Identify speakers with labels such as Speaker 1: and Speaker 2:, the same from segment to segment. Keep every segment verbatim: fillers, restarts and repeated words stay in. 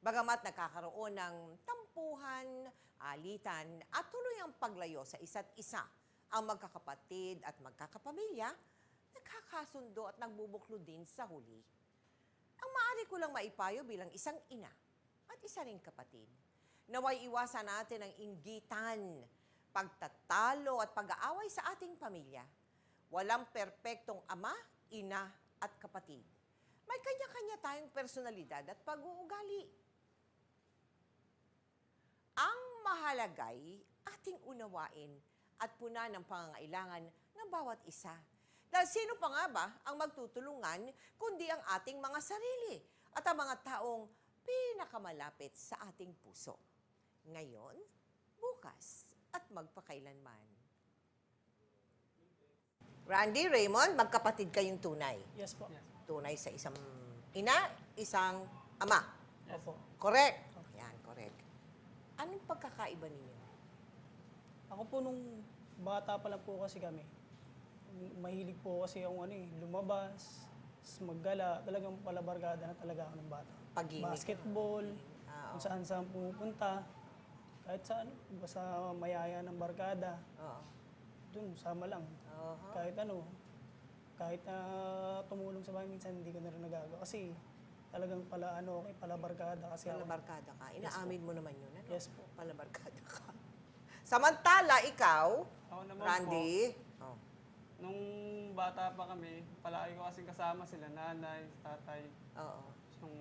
Speaker 1: Bagamat nagkakaroon ng tampuhan, alitan at tuluyang paglayo sa isa't isa, ang magkakapatid at magkakapamilya, nagkakasundo at nagbubuklo din sa huli. Ang maaari ko lang maipayo bilang isang ina at isa ring kapatid, naway iwasan natin ang inggitan, pagtatalo at pag-aaway sa ating pamilya. Walang perpektong ama, ina at kapatid. May kanya-kanya tayong personalidad at pag-uugali. Ang mahalagay ating unawain at puna ng pangangailangan ng bawat isa. Dahil sino pa nga ba ang magtutulungan kundi ang ating mga sarili at ang mga taong pinakamalapit sa ating puso. Ngayon, bukas at magpakailanman. Randy, Raymond, magkapatid kayong tunay.
Speaker 2: Yes po.
Speaker 1: Tunay sa isang ina, isang ama.
Speaker 2: Opo.
Speaker 1: Correct? Yan, correct. Anong pagkakaiba ninyo?
Speaker 2: Ako po nung bata pa lang po kasi kami, mahilig po kasi yung ano eh, lumabas, s- maggala, talagang palabarkada na talaga ako ng bata.
Speaker 1: Pag-ibig.
Speaker 2: Basketball,
Speaker 1: Ah,
Speaker 2: kung saan saan pumupunta, kahit saan, basta mayaya ng barkada,
Speaker 1: Oo.
Speaker 2: dun, sama lang.
Speaker 1: Oo.
Speaker 2: Kahit ano, kahit na tumulong sa bahay, minsan hindi ko na rin nagagawa. Kasi talagang pala ano, okay, palabarkada kasi ako.
Speaker 1: Palabarkada ka. Inaamin mo naman yun, ano?
Speaker 2: Yes po.
Speaker 1: Palabarkada ka. Samantala, ikaw,
Speaker 3: Ako naman
Speaker 1: Randy, oh.
Speaker 3: po, nung bata pa kami, palagi ko kasing kasama sila, nanay, tatay.
Speaker 1: Oo.
Speaker 3: Yung,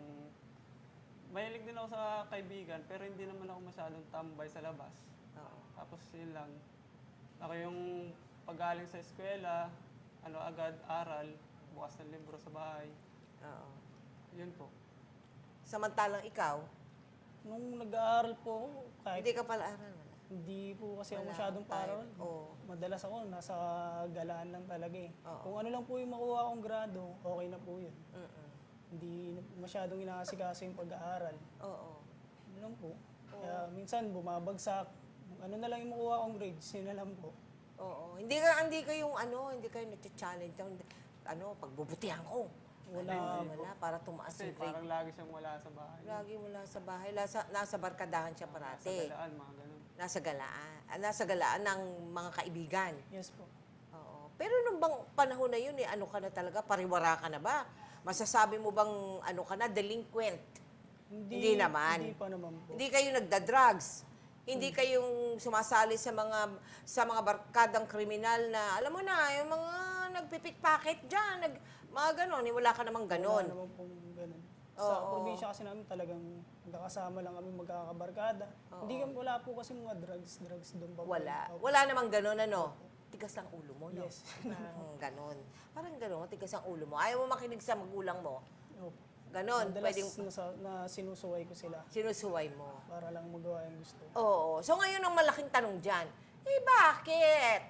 Speaker 3: mahilig din ako sa kaibigan, pero hindi naman ako masyadong tambay sa labas.
Speaker 1: Oo.
Speaker 3: Tapos yun lang. Ako yung pagaling sa eskwela, ano agad, aral, bukas ng libro sa bahay.
Speaker 1: Oo.
Speaker 3: Yun po.
Speaker 1: Samantalang ikaw,
Speaker 2: Nung nag-aaral po, ako, kahit
Speaker 1: hindi ka pala aral. Wala.
Speaker 2: hindi po kasi ako
Speaker 1: Wala
Speaker 2: masyadong
Speaker 1: akong time.
Speaker 2: paralan.
Speaker 1: Oo.
Speaker 2: Madalas ako, nasa galaan lang talaga eh.
Speaker 1: Oo.
Speaker 2: Kung ano lang po yung makuha akong grado, okay na po yun.
Speaker 1: Mm-mm.
Speaker 2: Hindi masyadong inaasikaso yung pag-aaral.
Speaker 1: Oo.
Speaker 2: Ano lang po. Kaya minsan bumabagsak. Ano na lang yung makuha akong grades, yun na lang po.
Speaker 1: Oo. Hindi ka hindi kayong ano, hindi kayo nag-challenge ano, pagbubutihan ko.
Speaker 2: Wala.
Speaker 1: Ano, wala para tumaas
Speaker 3: Kasi
Speaker 1: yung grade.
Speaker 3: parang lagi siyang wala sa bahay.
Speaker 1: Lagi mula sa bahay, nasa, nasa barkadahan siya
Speaker 3: Sa
Speaker 1: parati.
Speaker 3: galaan, mga ganun.
Speaker 1: Nasa galaan. ah, Nasa galaan ng mga kaibigan.
Speaker 2: Yes po.
Speaker 1: Oo. Pero nung bang panahon na yun, eh, ano ka na talaga, pariwara ka na ba? Masasabi mo bang ano ka na, delinquent? Hindi naman.
Speaker 2: Hindi pa naman po.
Speaker 1: Hindi kayo nagda-drugs. Hindi kayong sumasali sa mga sa mga barkadang kriminal na, alam mo na, yung mga nagpipickpocket dyan, nag, mga ganon, eh, wala ka namang
Speaker 2: Wala
Speaker 1: ganon.
Speaker 2: naman pong ganun. Sa
Speaker 1: Oo.
Speaker 2: probinsya kasi namin talagang magkakasama lang kami magkakabarkada. Hindi kami, wala po kasi mga drugs, drugs doon pa po.
Speaker 1: Wala.
Speaker 2: Opo.
Speaker 1: Wala namang ganon, ano? Tigas ang ulo mo, no?
Speaker 2: Yes.
Speaker 1: Parang ganon. Parang ganon, tigas ang ulo mo. Ayaw mo makinig sa magulang mo.
Speaker 2: Opo.
Speaker 1: Ganon,
Speaker 2: Madalas
Speaker 1: pwedeng
Speaker 2: nasa, na sinusuway ko sila
Speaker 1: sinusuway mo.
Speaker 2: para lang magawa yung gusto.
Speaker 1: Oo. So ngayon ang malaking tanong dyan, eh bakit?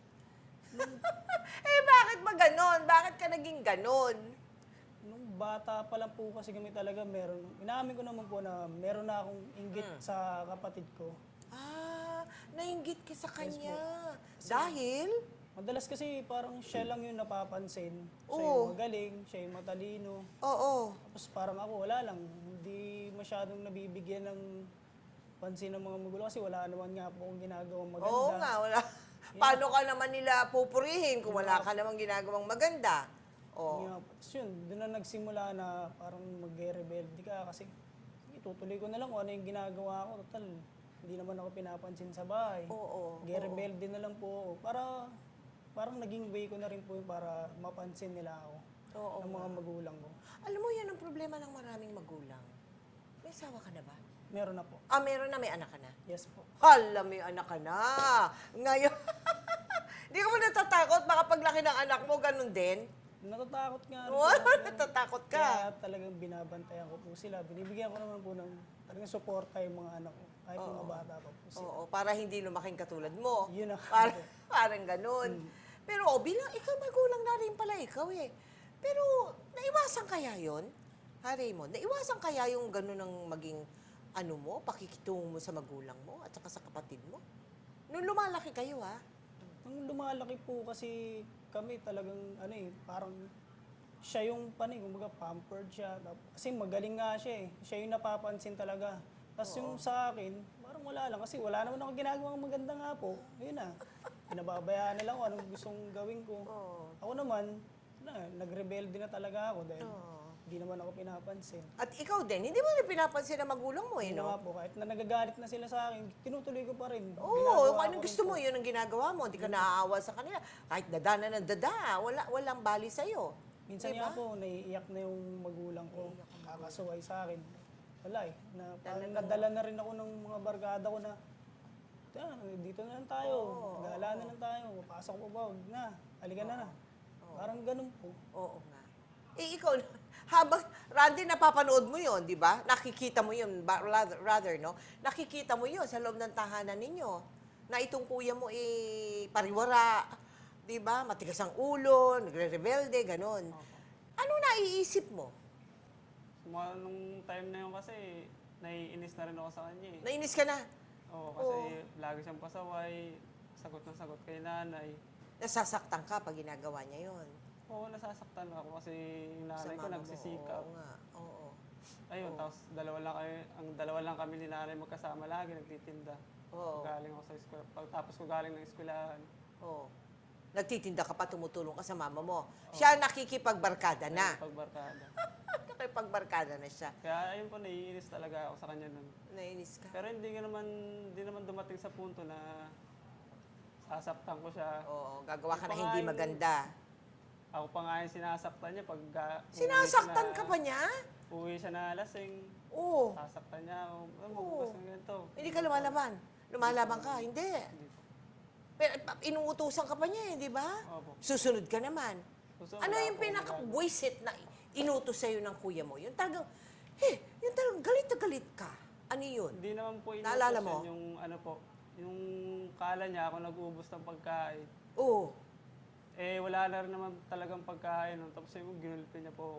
Speaker 1: eh bakit ba ganon? Bakit ka naging ganon?
Speaker 2: Nung bata pa lang po kasi kami talaga meron, inaamin ko naman po na meron na akong inggit
Speaker 1: Hmm.
Speaker 2: sa kapatid ko.
Speaker 1: Ah, nainggit ka sa kanya. Dahil?
Speaker 2: Madalas kasi parang siya lang yung napapansin. Siya
Speaker 1: Oo.
Speaker 2: yung magaling, siya yung matalino.
Speaker 1: Oo.
Speaker 2: Tapos parang ako wala lang, hindi masyadong nabibigyan ng pansin ng mga magulo kasi wala naman nga po akong ginagawang maganda.
Speaker 1: Oo nga, wala. Paano ka naman nila pupurihin kung wala ka namang ginagawang maganda? Oo.
Speaker 2: Yeah, tapos yun, doon na nagsimula na parang mag-rebelde ka kasi itutuloy ko na lang kung ano yung ginagawa ko. Total, hindi naman ako pinapansin sa bahay.
Speaker 1: Oo.
Speaker 2: Mag-rebelde na lang po ako. Para, parang naging way ko na rin po yung para mapansin nila ako.
Speaker 1: Oo.
Speaker 2: Ng mga magulang ko.
Speaker 1: Alam mo, yan ang problema ng maraming magulang. May asawa ka na ba?
Speaker 2: Meron na po.
Speaker 1: Ah, meron na, may anak ka na.
Speaker 2: Yes po.
Speaker 1: Hala, may anak ka na. Ngayon, hindi ka mo natatakot? Baka paglaki ng anak mo, ganun din?
Speaker 2: Natatakot nga. rin
Speaker 1: Oo,
Speaker 2: po ako.
Speaker 1: natatakot ka.
Speaker 2: Kaya talagang binabantayan ko po sila. Binibigyan ko naman po ng talagang suporta yung mga anak ko. Kahit mga bata pa po sila.
Speaker 1: Oo, para hindi lumaking katulad mo.
Speaker 2: Yun ang-
Speaker 1: Para, parang ganun. Pero oh, bilang ikaw magulang na rin pala ikaw eh. Pero naiwasan kaya yon? Ha, Raymond? Naiwasan kaya yung ganun ng maging ano mo, pakikitungo mo sa magulang mo at saka sa kapatid mo? Nung lumalaki kayo ha?
Speaker 2: Nung lumalaki po kasi kami talagang ano eh, parang siya yung paning, kumbaga pampered siya. Tap- Kasi magaling nga siya eh. Siya yung napapansin talaga. Tapos yung sa akin, parang wala lang. Kasi wala naman ako ginagawang maganda nga po. Yun na. Pinababayaan na lang kung anong gustong gawin ko.
Speaker 1: Oo.
Speaker 2: Ako naman, na, nagrebelde na talaga ako dahil
Speaker 1: Oo.
Speaker 2: hindi naman ako pinapansin.
Speaker 1: At ikaw din, hindi mo rin pinapansin ng magulang mo, eh,
Speaker 2: Yun na
Speaker 1: no?
Speaker 2: nga po, kahit na nagagalit na sila sa akin, tinutuloy ko pa rin.
Speaker 1: Oo,
Speaker 2: Ginagawa
Speaker 1: kung anong
Speaker 2: ko rin
Speaker 1: gusto
Speaker 2: po.
Speaker 1: mo, yun ang ginagawa mo. Hindi ka naaawa sa kanila. Kahit dada na ng dada, wala, walang bali sa'yo.
Speaker 2: Minsan
Speaker 1: Diba?
Speaker 2: nga po, naiiyak na yung magulang ko. Kakasuway sa akin. Wala eh. Na, parang nadala na rin ako ng mga barkada ko na, "Ah, dito na lang tayo.
Speaker 1: Oo,
Speaker 2: Gala na lang tayo. Pasok po ba? Huwag na. Halika na na." Parang ganun po.
Speaker 1: Oo nga. Eh, ikaw, habang, Randy, napapanood mo yun, di ba? Nakikita mo yun, ba- rather, rather, no? Nakikita mo yun sa loob ng tahanan ninyo. Na itong kuya mo, eh, pariwara, di ba? Matigas ang ulo, nagre-rebelde, ganon. Ano naiisip mo?
Speaker 3: Mga nung time na yun kasi, naiinis na rin ako sa kanya eh.
Speaker 1: Nainis ka na?
Speaker 3: Oo, kasi lagi siyang pasaway, sagot na sagot kay nanay.
Speaker 1: Nasasaktan ka pag ginagawa niya yun.
Speaker 3: Oo, nasasaktan ako kasi yung
Speaker 1: Sa
Speaker 3: nanay ko
Speaker 1: mama mo,
Speaker 3: nagsisikap.
Speaker 1: Oo nga, oo.
Speaker 3: Ayun, tapos dalawa lang kami, ang dalawa lang kami ni nanay magkasama lagi, nagtitinda.
Speaker 1: Oo.
Speaker 3: Galing ako sa eskwela. Pagtapos ko galing ng eskwelahan,
Speaker 1: Oo. Nagtitinda ka pa, tumutulong ka sa mama mo. Siya nakikipagbarkada na.
Speaker 3: pagbarkada.
Speaker 1: Nakikipagbarkada na siya.
Speaker 3: Kaya ayun po, naiinis talaga ako sa kanya nun.
Speaker 1: Nainis ka.
Speaker 3: Pero hindi ka naman, hindi naman dumating sa punto na sasaktan ko siya.
Speaker 1: Oo, gagawa ka na
Speaker 3: Yung
Speaker 1: hindi
Speaker 3: pangalan-
Speaker 1: maganda.
Speaker 3: Ako pa nga yung sinasaktan niya pag ga- uwi
Speaker 1: Sinasaktan
Speaker 3: siya
Speaker 1: ka
Speaker 3: na-
Speaker 1: pa niya?
Speaker 3: Uwi siya na lasing,
Speaker 1: Oo.
Speaker 3: sasaktan niya ako. Oh, magbukas ng ganito.
Speaker 1: Hindi ka lumalaban. Lumalaban ka, hindi.
Speaker 3: Hindi po.
Speaker 1: Pero pa- inuutusan ka pa niya, eh, di ba?
Speaker 3: Opo.
Speaker 1: Susunod ka naman.
Speaker 3: Gusto,
Speaker 1: Ano
Speaker 3: wala
Speaker 1: yung
Speaker 3: po akong
Speaker 1: pinaka-buisit na inutos sa'yo ng kuya mo? Yung talagang, eh, yung talagang galit na galit ka. Ano yun?
Speaker 3: Hindi naman po inutos
Speaker 1: Naalala
Speaker 3: yun,
Speaker 1: mo?
Speaker 3: yung ano po, yung kala niya ako nag-uubos ng pagkain.
Speaker 1: Oo.
Speaker 3: Eh, wala na rin naman talagang pagkain. No? Tapos yung ginulpi niya po ako.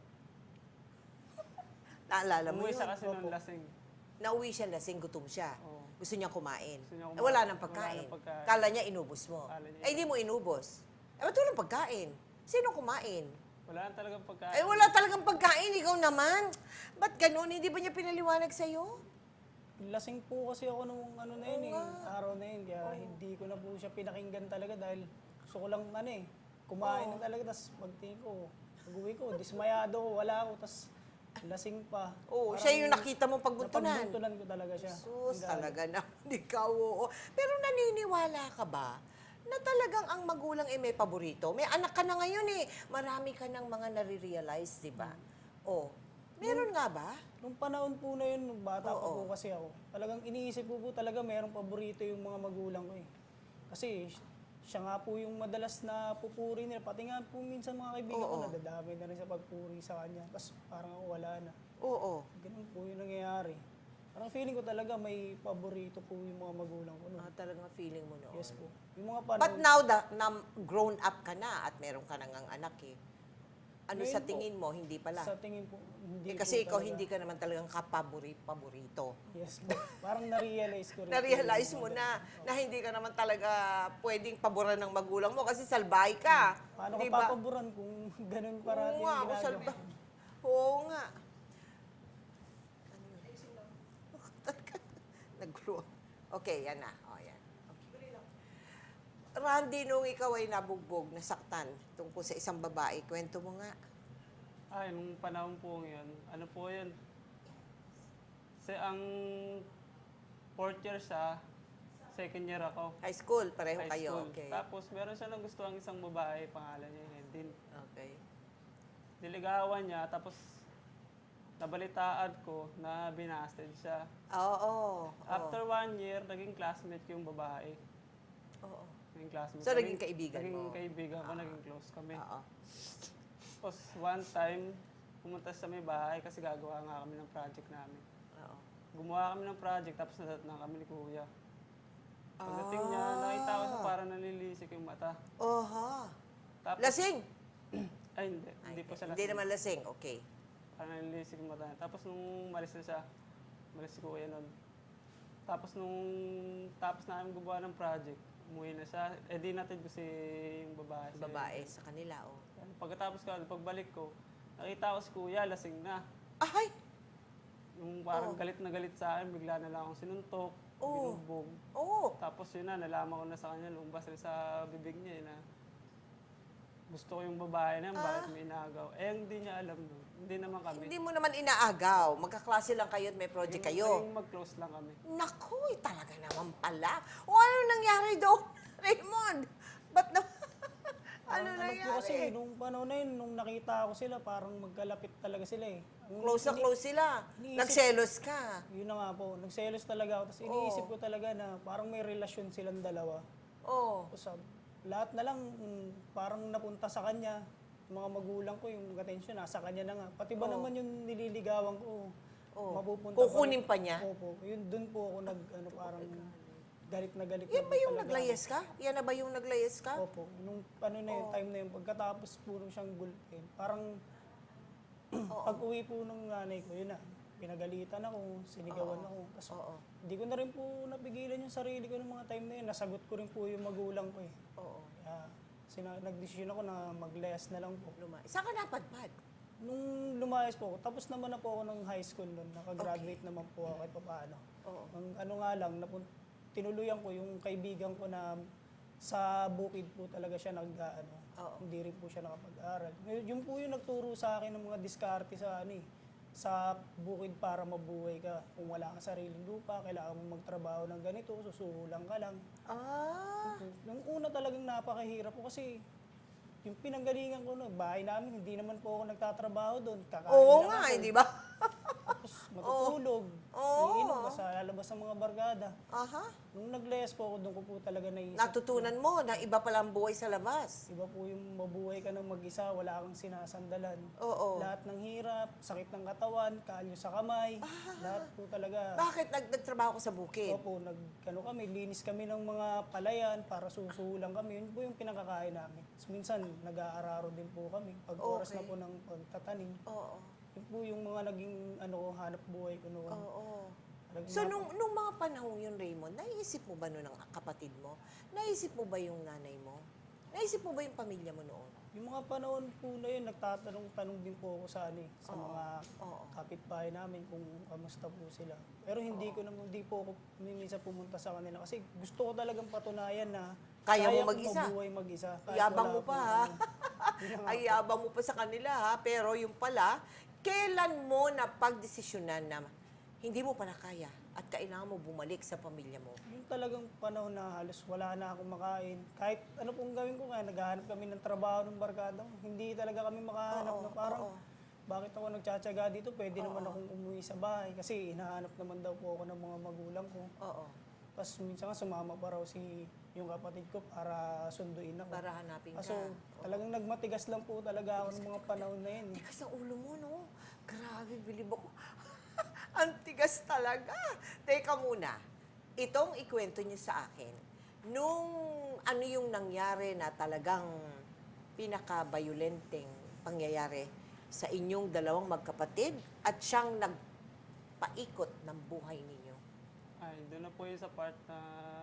Speaker 1: Naalala mo
Speaker 3: Umuwi
Speaker 1: yun?
Speaker 3: siya kasi nung lasing.
Speaker 1: Nauwi siya lasing, gutom siya.
Speaker 3: Oo.
Speaker 1: Gusto niyang kumain.
Speaker 3: Gusto niya
Speaker 1: Eh,
Speaker 3: kumain.
Speaker 1: wala nang
Speaker 3: Wala
Speaker 1: pagkain.
Speaker 3: nang pagkain.
Speaker 1: Kala niya inubos mo.
Speaker 3: Kala niya
Speaker 1: Eh, hindi mo inubos. Eh, ba't walang pagkain? Sino kumain?
Speaker 3: Wala na talagang pagkain.
Speaker 1: Eh, wala talagang pagkain. Ikaw naman. Ba't ganun? Hindi ba niya pinaliwanag sa'yo?
Speaker 2: Lasing po kasi ako nung ano na yun
Speaker 1: Oo
Speaker 2: eh,
Speaker 1: nga.
Speaker 2: araw na yun. Kaya hindi ko na po siya pinakinggan talaga dahil gusto ko lang ano eh, kumain na talaga. Tapos pagtingin ko, pag-uwi ko, dismayado ko, wala ako. Tapos lasing pa.
Speaker 1: Oo,
Speaker 2: Parang
Speaker 1: siya yung nakita mong pagbuntunan.
Speaker 2: Napagbuntunan ko talaga siya.
Speaker 1: Sus,
Speaker 2: Ang galing.
Speaker 1: talaga na. Ikaw, oo. Pero naniniwala ka ba na talagang ang magulang ay may paborito? May anak ka na ngayon eh. Marami ka ng mga nare-realize, di ba? Oh, meron nga ba?
Speaker 2: Nung panahon po na yun, nung bata pa
Speaker 1: Oo.
Speaker 2: po kasi ako, talagang iniisip ko po talaga merong paborito yung mga magulang ko eh. Kasi siya nga po yung madalas na pupuri nila. Pati nga po minsan mga kaibigan ko,
Speaker 1: Oo.
Speaker 2: nadadami na rin sa pagpuri sa kanya. Tapos parang ako wala na.
Speaker 1: Oo.
Speaker 2: Ganun po yung nangyayari. Parang feeling ko talaga may paborito po yung mga magulang ko. No?
Speaker 1: Ah, talagang feeling mo noon.
Speaker 2: Yes po. Yung mga
Speaker 1: But
Speaker 2: panahon,
Speaker 1: now that na grown up ka na at meron ka nang ang anak eh, ano
Speaker 2: Ngayon
Speaker 1: sa
Speaker 2: po,
Speaker 1: tingin mo, hindi pala?
Speaker 2: sa tingin po, hindi
Speaker 1: Eh, kasi
Speaker 2: po
Speaker 1: ikaw
Speaker 2: talaga.
Speaker 1: hindi ka naman talagang kapabori-paborito.
Speaker 2: Yes po. Parang na-realize ko rin. po
Speaker 1: Na-realize
Speaker 2: yung
Speaker 1: mo
Speaker 2: mga
Speaker 1: na na hindi ka naman talaga pwedeng paboran ng magulang mo kasi salbay ka.
Speaker 2: Paano
Speaker 1: Di
Speaker 2: ka
Speaker 1: ba?
Speaker 2: papaboran kung ganun
Speaker 1: Oo
Speaker 2: parati
Speaker 1: nga,
Speaker 2: yung
Speaker 1: ako
Speaker 2: ginagawa?
Speaker 1: salba. Oo nga. Ano yun? Nag-grow. Okay, yan na. O, yan. Okay. Randy, nung ikaw ay nabugbog, nasaktan tungkol sa isang babae, kwento mo nga.
Speaker 3: Ay, nung panahon po yun, ano po yun? Kasi ang fourth year siya, second year ako.
Speaker 1: High school, pareho
Speaker 3: High
Speaker 1: kayo.
Speaker 3: school.
Speaker 1: Okay.
Speaker 3: Tapos meron siya nagustuhan isang babae, pangalan niya Hedin.
Speaker 1: Okay.
Speaker 3: Niligawan niya, tapos nabalitaan ko na binasted siya.
Speaker 1: Oo. oo.
Speaker 3: After one year, naging classmate yung babae.
Speaker 1: Oo.
Speaker 3: Naging classmate.
Speaker 1: So, naging kaibigan
Speaker 3: naging
Speaker 1: mo?
Speaker 3: kaibigan ko, naging close kami.
Speaker 1: Oo.
Speaker 3: Tapos one time, pumunta sa may bahay kasi gagawa nga kami ng project namin.
Speaker 1: Oo.
Speaker 3: Gumawa kami ng project, tapos nadat na kami ni Kuya. Pagdating niya,
Speaker 1: Ah.
Speaker 3: nakita ko siya parang nalilisik yung mata.
Speaker 1: Oha.
Speaker 3: Tapos,
Speaker 1: Lasing?
Speaker 3: ay hindi, hindi po siya
Speaker 1: Hindi
Speaker 3: lasing.
Speaker 1: naman lasing. Okay.
Speaker 3: Parang nalilisik yung mata niya. Tapos nung malis na siya, malis si Kuya nun. Tapos nung tapos namin gumawa ng project, umuwi na siya. Eh di natin ko si yung babae. si
Speaker 1: Babae sa kanila, oh.
Speaker 3: Kaya Ano, pagkatapos ko, ano, pagbalik ko, nakita ko si kuya, lasing na.
Speaker 1: Ay!
Speaker 3: Yung parang
Speaker 1: Oo.
Speaker 3: galit na galit sa akin, bigla na lang akong sinuntok,
Speaker 1: Oo.
Speaker 3: binugbog.
Speaker 1: Oo.
Speaker 3: Tapos yun na, nalaman ko na sa kanya, lumabas rin sa bibig niya eh, na gusto ko yung babae na yun, bakit may inagaw. Eh, hindi niya alam nun. Hindi naman kami.
Speaker 1: Hindi mo naman inaagaw. Magkaklase lang kayo at may project
Speaker 3: Yung-
Speaker 1: kayo.
Speaker 3: yung mag-close lang kami.
Speaker 1: Naku, eh, talaga naman pala. O ano nangyari doon, Raymond? Ba't na... ano
Speaker 2: Parang
Speaker 1: nangyari?
Speaker 2: po kasi, nung panahon na yun, nung nakita ko sila, parang magkalapit talaga sila eh. Ang
Speaker 1: Close na
Speaker 2: ini-
Speaker 1: close sila.
Speaker 2: iniisip-
Speaker 1: Nagselos ka.
Speaker 2: Yun na nga po, nagselos talaga ako. Tapos iniisip ko talaga na parang may relasyon silang dalawa.
Speaker 1: Oo.
Speaker 2: Tapos ah, lahat na lang mm, parang napunta sa kanya. Yung mga magulang ko, yung attention, nasa kanya na nga. Pati ba naman yung nililigawan ko,
Speaker 1: Oo.
Speaker 2: mapupunta
Speaker 1: Kukunin
Speaker 2: pa
Speaker 1: pa niya?
Speaker 2: Opo, yun dun po ako nag, ano, parang galit na galit.
Speaker 1: Yan
Speaker 2: na
Speaker 1: ba yung
Speaker 2: talaga
Speaker 1: naglayas ka? Yan na ba yung naglayas ka?
Speaker 2: ako. Opo, nung ano na yung time na yun, pagkatapos po nung siyang gulpin, parang pag uwi po ng nanay ko, yun na, pinagalitan ako, sinigawan ako. Tapos
Speaker 1: Oo.
Speaker 2: hindi ko na rin po napigilan yung sarili ko ng mga time na yun. Nasagot ko rin po yung magulang ko eh.
Speaker 1: Oo.
Speaker 2: Kaya sina- nagdesisyon ako na maglayas na lang po.
Speaker 1: Luma. Saan ka napadpad?
Speaker 2: Nung lumayas po ako, tapos naman na po ako ng high school noon. Nakagraduate naman po ako kahit papaano.
Speaker 1: Oo.
Speaker 2: Ang ano nga lang, napun- tinuluyan ko yung kaibigan ko na sa bukid po talaga siya nag ano,
Speaker 1: Oo.
Speaker 2: hindi rin po siya nakapag-aral. Ngayon, Yung po yung nagturo sa akin ng mga diskarte sa ano eh, sa bukid para mabuhay ka. Kung wala kang sariling lupa, kailangan mo magtrabaho ng ganito, susuhulan ka lang.
Speaker 1: Ah.
Speaker 2: Nung una talagang napakahirap po kasi yung pinanggalingan ko no, bahay namin, hindi naman po ako nagtatrabaho doon. Kakain
Speaker 1: Oo
Speaker 2: lang
Speaker 1: nga,
Speaker 2: ako.
Speaker 1: hindi ba?
Speaker 2: Tapos matutulog,
Speaker 1: Oo.
Speaker 2: iinom ka sa lalabas ng mga barkada.
Speaker 1: Aha.
Speaker 2: Nung naglayas po ako, doon ko po talaga naisip.
Speaker 1: Natutunan mo na iba pala ang buhay sa labas.
Speaker 2: Iba po yung mabuhay ka ng mag-isa, wala kang sinasandalan.
Speaker 1: Oo.
Speaker 2: Lahat ng hirap, sakit ng katawan, kalyo sa kamay, lahat po talaga.
Speaker 1: Bakit nag nagtrabaho ko sa bukid?
Speaker 2: Opo, nag, ano kami, linis kami ng mga palayan para susulang kami. Yun po yung pinakakain namin. So, minsan, nag-aararo din po kami. Pag oras na
Speaker 1: Okay.
Speaker 2: po ng pagtatanim.
Speaker 1: Oo.
Speaker 2: Yun po yung mga naging ano, ko, hanap buhay ko noon.
Speaker 1: Oo.
Speaker 2: Talagang
Speaker 1: So,
Speaker 2: nap-
Speaker 1: nung, nung mga panahon yun, Raymond, naisip mo ba noon ang kapatid mo? Naisip mo ba yung nanay mo? Naisip mo ba yung pamilya mo noon?
Speaker 2: Yung mga panahon po na yun, nagtatanong-tanong din po ako sa, ano, eh, sa
Speaker 1: Oo.
Speaker 2: mga
Speaker 1: Oo.
Speaker 2: kapitbahay namin kung kamusta po sila. Pero hindi ko naman, hindi po ako minsan pumunta sa kanila kasi gusto ko talagang patunayan na
Speaker 1: Kaya mo
Speaker 2: kong
Speaker 1: mag-isa.
Speaker 2: mabuhay mag-isa. kahit
Speaker 1: Yabang
Speaker 2: wala
Speaker 1: mo pa,
Speaker 2: po
Speaker 1: ha?
Speaker 2: ano. Yun na nga
Speaker 1: Ay, yabang mo pa sa kanila, ha? Pero yung pala, kailan mo na pagdesisyonan na hindi mo pala kaya at kailangan mo bumalik sa pamilya mo?
Speaker 2: Yung talagang panahon na halos wala na akong makain. Kahit ano pong gawin ko, kaya naghahanap kami ng trabaho ng barkada ko. Hindi talaga kami makahanap
Speaker 1: Oo,
Speaker 2: na parang,
Speaker 1: oo.
Speaker 2: bakit ako nagtsatsaga dito? Pwede naman akong umuwi sa bahay kasi hinahanap naman daw po ako ng mga magulang ko.
Speaker 1: Oo.
Speaker 2: Tapos minsan nga sumama pa raw si yung kapatid ko para sunduin ako.
Speaker 1: Para hanapin ka.
Speaker 2: Kaso talagang nagmatigas lang po talaga ako ng mga panahon na yun. eh.
Speaker 1: Tigas ang ulo mo, no? Grabe, bilib ako. Ang tigas talaga. Teka muna. Itong ikwento niyo sa akin. Nung ano yung nangyari na talagang pinaka-violenteng pangyayari sa inyong dalawang magkapatid at siyang nagpaikot ng buhay ninyo?
Speaker 3: Ay, doon na po yun sa part na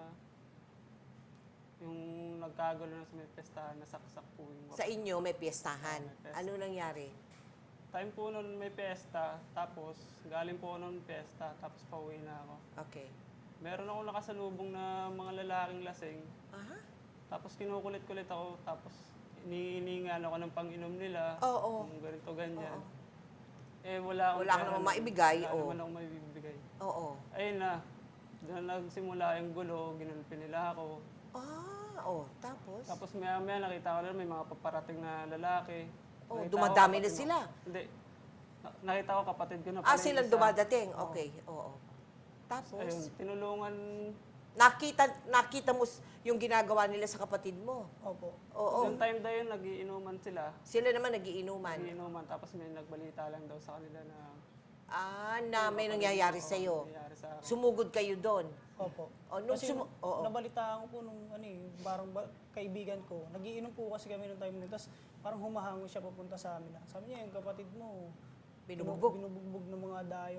Speaker 3: yung nagkagulo na sa may pestahan, nasaksak po yung
Speaker 1: Sa inyo may piyestahan.
Speaker 3: Oo, may piyesta.
Speaker 1: Ano nangyari?
Speaker 3: time po nun may pesta, tapos galing po ako ng pesta, tapos pauwi na ako.
Speaker 1: Okay.
Speaker 3: Meron akong nakasalubong na mga lalaking lasing,
Speaker 1: Aha.
Speaker 3: tapos kinukulit-kulit ako, tapos iniiningan ako ng pang-inom nila,
Speaker 1: Oo.
Speaker 3: kung ganito, ganyan.
Speaker 1: Oo.
Speaker 3: Eh, wala akong
Speaker 1: Wala ka
Speaker 3: pera
Speaker 1: namang
Speaker 3: nun.
Speaker 1: maibigay,
Speaker 3: Wala
Speaker 1: oo.
Speaker 3: naman akong maibibigay.
Speaker 1: Oo.
Speaker 3: Ayun na, doon nagsimula yung gulo, ginulpi nila ako.
Speaker 1: Ah, oh, tapos?
Speaker 3: Tapos maya-maya nakita ko na may mga paparating na lalaki.
Speaker 1: Oh,
Speaker 3: Nakita ko
Speaker 1: dumadami na
Speaker 3: kapatid
Speaker 1: sila.
Speaker 3: ko- Hindi. Na- nakita ko kapatid ko na
Speaker 1: Ah,
Speaker 3: pala yung
Speaker 1: silang
Speaker 3: isa.
Speaker 1: dumadating. Okay, oo. Tapos,
Speaker 3: Ayun, tinulungan.
Speaker 1: nakita nakita mo s- yung ginagawa nila sa kapatid mo.
Speaker 2: Opo.
Speaker 1: Oo.
Speaker 3: Yung time na yun, nagiinuman sila.
Speaker 1: Sila naman nagiinuman.
Speaker 3: Nagiinuman, tapos may nagbalita lang daw sa kanila na
Speaker 1: Ah, na may nangyayari sa iyo.
Speaker 3: nangyayari sa akin.
Speaker 1: Sumugod kayo doon.
Speaker 2: Opo.
Speaker 1: Oh, nung
Speaker 2: Kasi
Speaker 1: sumu- oo.
Speaker 2: nabalitaan ko po nung ano eh, parang ba- kaibigan ko, nagiinom po kasi kami nung time na yun, tapos parang humahango siya papunta sa amin. Sabi niya, yung kapatid mo,
Speaker 1: Binubugbog.
Speaker 2: binubugbog ng mga dayo.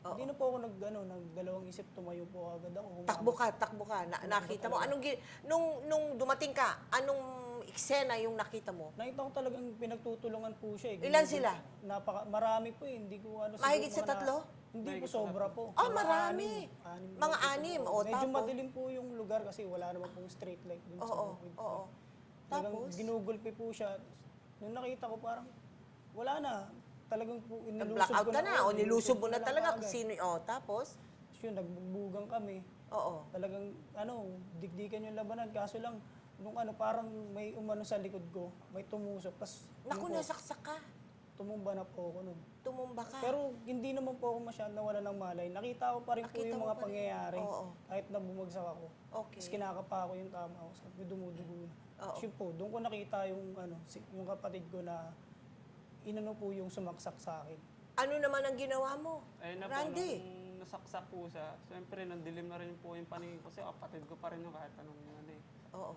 Speaker 1: Oo.
Speaker 2: Hindi na po ako nag, ano, nagdalawang isip, tumayo po agad ako. Humamon.
Speaker 1: Takbo ka, takbo ka. Na, nakita mo, anong, gi- nung, nung dumating ka, anong eksena yung nakita mo?
Speaker 2: Nakita ko talagang pinagtutulungan po siya. Eh.
Speaker 1: Ilan
Speaker 2: Ginugol-
Speaker 1: sila?
Speaker 2: Napaka, marami po eh. Hindi ko ano. siguro
Speaker 1: Mahigit sa
Speaker 2: mga na-
Speaker 1: tatlo?
Speaker 2: Hindi po,
Speaker 3: Mahigit sa
Speaker 2: sobra po.
Speaker 1: Ah,
Speaker 2: Mga
Speaker 1: marami.
Speaker 2: anim. Anim
Speaker 1: Mga
Speaker 2: nakita ko
Speaker 1: anim,
Speaker 2: po.
Speaker 1: o,
Speaker 2: Medyo
Speaker 1: tapos?
Speaker 2: madilim po yung lugar kasi wala naman pong street light dun sa
Speaker 1: Oo,
Speaker 2: bukid.
Speaker 1: oo.
Speaker 2: Talagang
Speaker 1: Tapos?
Speaker 2: ginugulpi po siya. Nung nakita ko parang wala na. Talagang po inilusob
Speaker 1: Nag-blackout
Speaker 2: ko
Speaker 1: ka na, o nilusob mo na
Speaker 2: lang
Speaker 1: talaga kung
Speaker 2: kaagad.
Speaker 1: sino, o, tapos?
Speaker 2: Tapos yun, nagbugbugan kami.
Speaker 1: Oo.
Speaker 2: Talagang, ano, digdikan yung labanan. Kaso lang, nung ano, parang may umano sa likod ko, may tumusok. Tapos,
Speaker 1: Naku,
Speaker 2: yun po,
Speaker 1: nasaksak ka.
Speaker 2: tumumba na po ako nun.
Speaker 1: Tumumba ka.
Speaker 2: Pero hindi naman po ako masyadong nawala ng malay. Nakita ko pa rin po
Speaker 1: Nakita
Speaker 2: yung
Speaker 1: mo
Speaker 2: mga
Speaker 1: pa rin.
Speaker 2: pangyayari.
Speaker 1: Oo.
Speaker 2: Kahit na bumagsak ako.
Speaker 1: Okay.
Speaker 2: Tapos kinakapa ko yung tama ko. Sabi ko, dumudugo na.
Speaker 1: Oo.
Speaker 2: Tapos yun po, doon ko nakita yung, ano, si- yung kapatid ko na inano po yung sumaksak sa akin.
Speaker 1: Ano naman ang ginawa mo?
Speaker 3: Ayun na po,
Speaker 1: Randy.
Speaker 3: nung nasaksak po siya, siyempre nandilim na rin po yung paningin ko kasi kapatid ko pa rin yung kahit anong ano eh.
Speaker 1: Oo.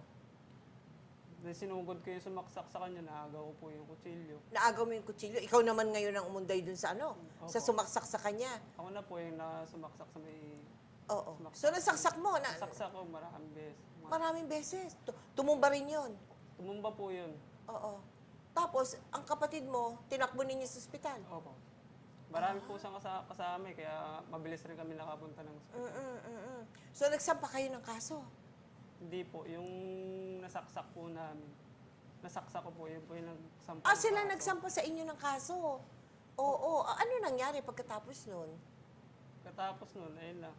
Speaker 3: Then sinugod ko yung sumaksak sa kanya, naagaw ko po yung kutsilyo.
Speaker 1: Naagaw mo yung kutsilyo. Ikaw naman ngayon ang umunday dun sa ano? Sa
Speaker 3: Opo.
Speaker 1: sumaksak sa kanya.
Speaker 3: Ako na po yung nasumaksak sa may...
Speaker 1: Oo.
Speaker 3: Sumaksak.
Speaker 1: So nasaksak mo na
Speaker 3: Nasaksak ko maraming beses. Ma-
Speaker 1: maraming beses. Tu- Tumumba rin yun.
Speaker 3: Tumumba po yun.
Speaker 1: Oo. Tapos, ang kapatid mo, tinakbo ninyo sa ospital.
Speaker 3: Opo. Marami po siyang kasa- kasama eh, kaya mabilis rin kami nakapunta ng ospital.
Speaker 1: Mm-mm, mm-mm. So, nagsampa kayo ng kaso.
Speaker 3: Hindi po, yung nasaksak po namin. Nasaksak ko po, yun po yung nagsampa.
Speaker 1: Ah,
Speaker 3: ng
Speaker 1: sila
Speaker 3: kaso.
Speaker 1: nagsampa sa inyo ng kaso. Oo. Ah, ano nangyari pagkatapos nun?
Speaker 3: Katapos nun, ayun na.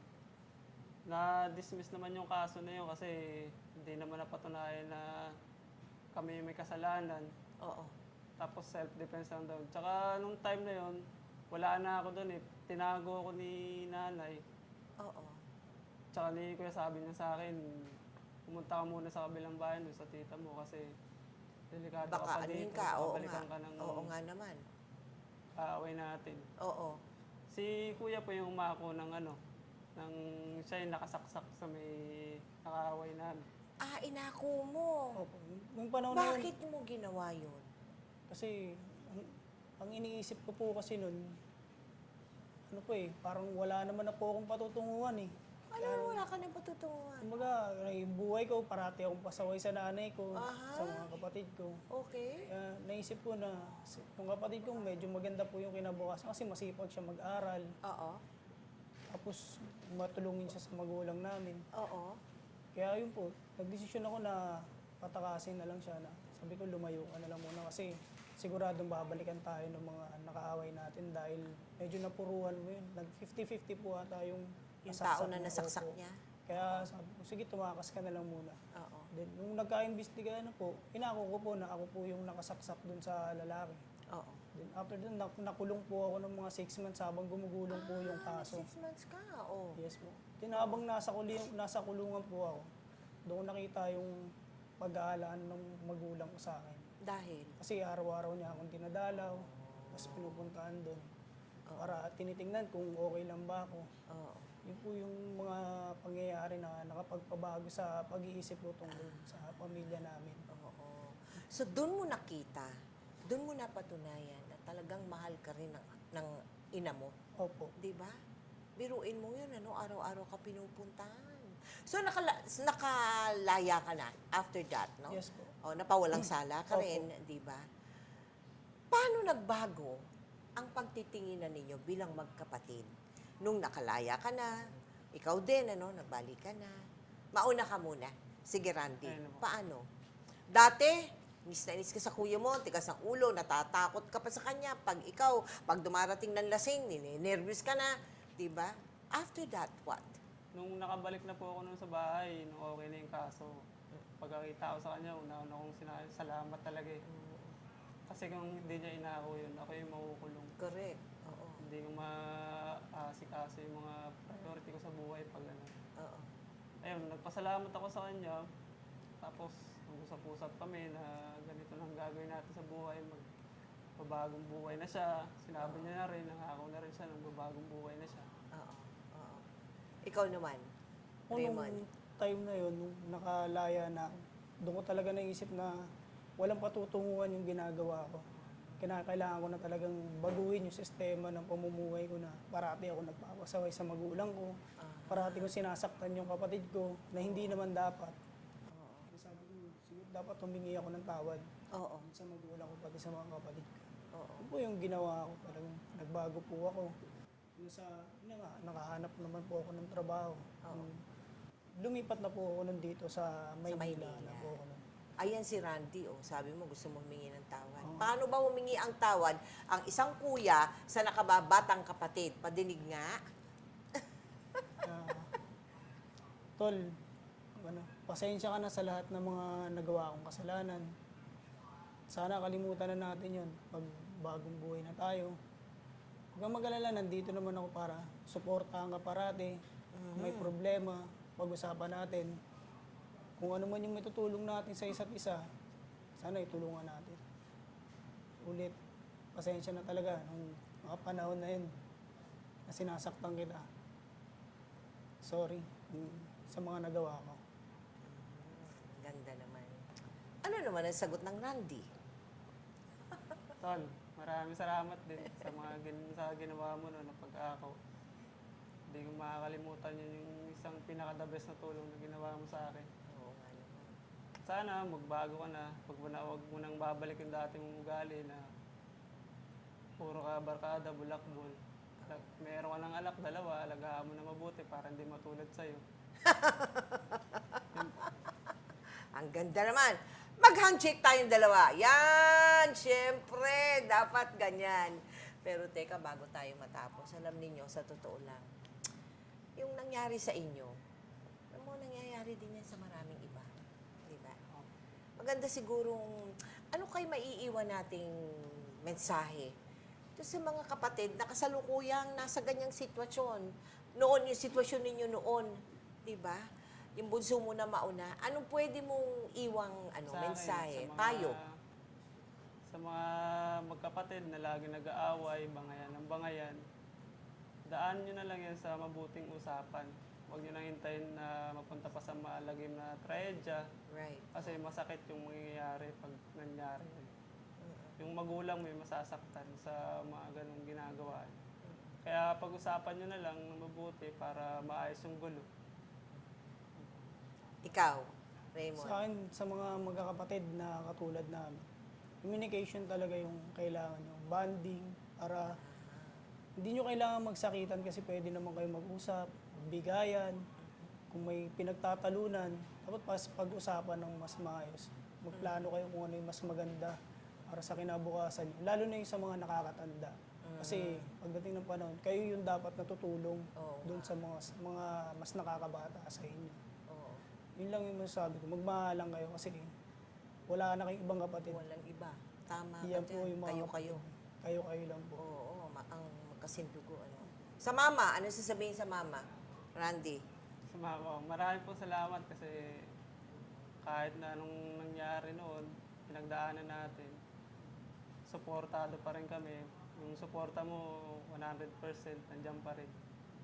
Speaker 3: Na-dismiss naman yung kaso na yun kasi hindi naman napatunayan na kami may kasalanan.
Speaker 1: Oo.
Speaker 3: Tapos self-defense lang daw. Tsaka nung time na yun, wala na ako doon eh. Tinago ako ni nanay.
Speaker 1: Oo.
Speaker 3: Tsaka ni kuya sabi niya sa akin, pumunta ka muna sa kabilang bayan doon sa tita mo kasi delikado ka
Speaker 1: Baka
Speaker 3: pa
Speaker 1: anuhin
Speaker 3: dito.
Speaker 1: ka.
Speaker 3: Baka
Speaker 1: Oo nga.
Speaker 3: balikan ka ng
Speaker 1: Oo nga naman.
Speaker 3: kaaway natin.
Speaker 1: Oo.
Speaker 3: Si kuya po yung umako ng ano, ng siya yung nakasaksak sa may nakaaway namin.
Speaker 1: Ah, inako mo.
Speaker 2: Opo. Yung panahon na yun,
Speaker 1: Bakit mo ginawa yun?
Speaker 2: kasi ang, ang iniisip ko po kasi nun, ano po eh, parang wala naman na po akong patutunguhan eh.
Speaker 1: Ano, wala ka nang patutunguhan.
Speaker 2: Kumbaga, yung buhay ko, parati akong pasaway sa nanay ko,
Speaker 1: Aha.
Speaker 2: sa mga kapatid ko.
Speaker 1: Okay.
Speaker 2: Kaya naisip ko na, si- yung kapatid ko medyo maganda po yung kinabukasan kasi masipag siya mag-aral.
Speaker 1: Oo.
Speaker 2: Tapos matulungin siya sa magulang namin.
Speaker 1: Oo.
Speaker 2: Kaya yun po, nagdesisyon ako na patakasin na lang siya na sabi ko lumayo ka na lang muna kasi siguradong babalikan tayo ng mga nakaaway natin dahil medyo napuruhan mo yun. Nag fifty fifty po ata yung
Speaker 1: Yung
Speaker 2: nasaksak
Speaker 1: tao na
Speaker 2: mo.
Speaker 1: nasaksak
Speaker 2: Opo.
Speaker 1: niya.
Speaker 2: Kaya sabi ko, sige tumakas ka na lang muna.
Speaker 1: Oo.
Speaker 2: Then, nung nagka-imbestiga na po, inako ko po na ako po yung nakasaksak dun sa lalaki.
Speaker 1: Oo.
Speaker 2: Then after dun, nak- nakulong po ako ng mga six months habang gumugulong po yung kaso.
Speaker 1: Six months ka. Oo.
Speaker 2: Yes po. Then habang nasa, kuling, nasa kulungan po ako, doon ko nakita yung pag-aalaan ng magulang ko sa akin.
Speaker 1: Dahil.
Speaker 2: Kasi araw-araw niya akong dinadalaw, tapos pinupuntahan doon. Para tinitingnan kung okay lang ba ako.
Speaker 1: Oo.
Speaker 2: Yun po yung mga pangyayari na nakapagpabago sa pag-iisip ko tungkol sa pamilya namin.
Speaker 1: Oo. So, doon mo nakita, doon mo napatunayan na talagang mahal ka rin ng, ng ina mo.
Speaker 2: Opo.
Speaker 1: Di ba? Biruin mo yun, ano, araw-araw ka pinupuntahan. So, nakala, nakalaya ka na after that, no?
Speaker 2: Yes po.
Speaker 1: O, napawalang sala ka
Speaker 2: Opo.
Speaker 1: rin, di ba? Paano nagbago ang pagtitinginan ninyo bilang magkapatid? Nung nakalaya ka na, ikaw din, ano, nagbalik ka na. Mauna ka muna. Sige, Randy.
Speaker 3: Ayun po.
Speaker 1: Paano? Dati, inis na inis ka sa kuya mo, tigas ang ulo, natatakot ka pa sa kanya. Pag ikaw, pag dumarating ng lasing, nervous ka na. Di ba? After that, what?
Speaker 3: Nung nakabalik na po ako nun sa bahay, nung okay na yung kaso, pagkakita ko sa kanya, una-una kong sinabi, salamat talaga eh. Kasi kung hindi niya inako yun, ako yung makukulong.
Speaker 1: Correct. Oo.
Speaker 3: Hindi ko ma-asikaso yung mga priority ko sa buhay pag ano.
Speaker 1: Oo.
Speaker 3: Ayun, nagpasalamat ako sa kanya. Tapos, nag-usap-usap kami na ganito lang gagawin natin sa buhay. Magbabagong buhay na siya. Sinabi niya na rin, nangako na rin siya, nagbabagong buhay na siya.
Speaker 1: Oo. Oo. Ikaw naman,
Speaker 2: O, nung
Speaker 1: Raymond.
Speaker 2: time na yun, nung nakalaya na, doon ko talaga naisip na walang patutunguhan yung ginagawa ko. kinakailangan ko na talagang baguhin yung sistema ng pamumuhay ko na parati ako nagpapasaway sa magulang ko. Parati ko sinasaktan yung kapatid ko na hindi naman dapat. Kaya sabi ko, siguro dapat humingi ako ng tawad
Speaker 1: Oo.
Speaker 2: sa magulang ko pati sa mga kapatid ko.
Speaker 1: Oo.
Speaker 2: Yun po yung ginawa ko. Talagang nagbago po ako. Yung sa, yun nga, nakahanap naman po ako ng trabaho.
Speaker 1: Oo.
Speaker 2: Lumipat na po ako nandito sa Maynila.
Speaker 1: Maynila.
Speaker 2: Na po ako nun.
Speaker 1: Ayan si Randy, oh. Sabi mo gusto mo humingi ng tawad.
Speaker 2: Oo.
Speaker 1: Paano ba humingi ang tawad ang isang kuya sa nakababatang kapatid? Padinig nga.
Speaker 2: Ah, tol, ano, pasensya ka na sa lahat ng mga nagawa kong kasalanan. Sana kalimutan na natin yun pag bagong buhay na tayo. Huwag kang mag-alala, nandito naman ako para suportahan ka parati. Kung may problema, pag-usapan natin. Kung ano man yung matutulong natin sa isa't isa, sana itulungan natin. Ulit, pasensya na talaga nung mga panahon na yun na sinasaktan kita. Sorry mm, sa mga nagawa ko.
Speaker 1: Ganda naman. Ano naman ang sagot ng Randy?
Speaker 3: Tol, maraming salamat din sa mga gin sa ginawa mo no, na pag-ako. Hindi ko makakalimutan yun yung isang pinaka-the best na tulong na ginawa mo sa akin.
Speaker 1: Oo nga naman.
Speaker 3: Sana magbago ka na. Pag mo na, huwag mo nang babalik yung dati mong ugali na puro ka barkada, bulakbol. Lag- Meron ka ng alak, dalawa, alagaan mo na mabuti para hindi matulad sa'yo.
Speaker 1: Ang ganda naman. Mag-handshake tayong dalawa. Yan! Siyempre, dapat ganyan. Pero teka, bago tayo matapos, alam ninyo, sa totoo lang, yung nangyari sa inyo, alam mo, nangyayari din yan sa maraming iba. Di ba? Maganda sigurong, ano kayo maiiwan nating mensahe? Ito sa mga kapatid na kasalukuyang nasa ganyang sitwasyon. Noon, yung sitwasyon ninyo noon. Di ba? Yung bunso mo na mauna, anong pwede mong iwang ano,
Speaker 3: Sa akin,
Speaker 1: mensahe,
Speaker 3: sa mga-
Speaker 1: payo?
Speaker 3: Sa mga magkapatid na lagi nag-aaway, bangayan ng bangayan, daan nyo na lang yan sa mabuting usapan. Huwag nyo nang hintayin na mapunta pa sa malagim na trahedya
Speaker 1: Right.
Speaker 3: kasi masakit yung mangyayari pag nangyari. Yung magulang mo yung masasaktan sa mga ganong ginagawa. Kaya pag-usapan nyo na lang na mabuti para maayos yung gulo.
Speaker 1: Ikaw,
Speaker 2: Sa
Speaker 1: Raymond.
Speaker 2: akin, sa mga magkakapatid na katulad namin, communication talaga yung kailangan yung bonding para hindi nyo kailangan magsakitan kasi pwede naman kayo mag-usap, bigayan, kung may pinagtatalunan, dapat pas pag-usapan ng mas maayos. Magplano kayo kung ano yung mas maganda para sa kinabukasan nyo, lalo na yung sa mga nakakatanda. Kasi pagdating ng panahon, kayo yung dapat natutulong
Speaker 1: Oo
Speaker 2: doon sa mga, mga mas nakakabata sa inyo.
Speaker 1: Oo.
Speaker 2: Yun lang yung masasabi ko. Magmahalang kayo kasi wala na kayong ibang kapatid.
Speaker 1: Walang iba. Tama
Speaker 2: Yan
Speaker 1: ka
Speaker 2: po
Speaker 1: dyan.
Speaker 2: yung mga
Speaker 1: Kayo-kayo.
Speaker 2: Kayo-kayo lang po.
Speaker 1: Oo, oo, ma- ang magkasindugo. Ano. Sa mama, ano sasabihin sa mama? Randy?
Speaker 3: Sa mga ko, marami po salamat kasi kahit na anong nangyari noon, pinagdaanan natin, suportado pa rin kami. Yung suporta mo, one hundred percent, nandiyan pa rin.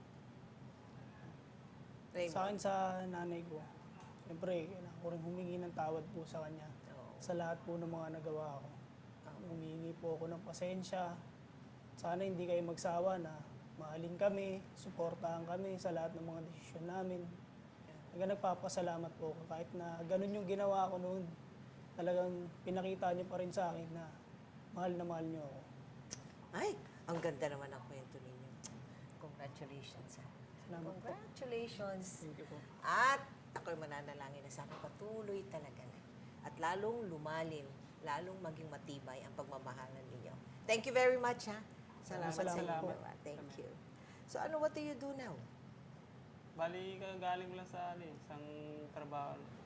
Speaker 1: Raymond?
Speaker 2: Sa akin, sa nanay ko, siyempre, kailangan ko rin humingi ng tawad po sa kanya.
Speaker 1: Oo.
Speaker 2: Sa lahat po ng mga nagawa ko. Humingi po ako ng pasensya. Sana hindi kayo magsawa na mahalin kami, suportahan kami sa lahat ng mga desisyon namin. Talaga nagpapasalamat po ako kahit na ganun yung ginawa ko noon. Talagang pinakita niyo pa rin sa akin na mahal na mahal niyo ako.
Speaker 1: Ay, ang ganda naman ang kwento ninyo. Congratulations. Ha?
Speaker 2: Salamat po.
Speaker 1: Congratulations.
Speaker 3: Thank you po.
Speaker 1: At ako'y mananalangin na sana patuloy talaga na. At lalong lumalim, lalong maging matibay ang pagmamahalan ninyo. Thank you very much, ha? Salamat, sa
Speaker 2: Salamat
Speaker 1: inyo.
Speaker 3: po.
Speaker 1: ah. Thank you. So, ano, what do you do now?
Speaker 3: Bali, galing lang sa ano, eh, isang trabaho.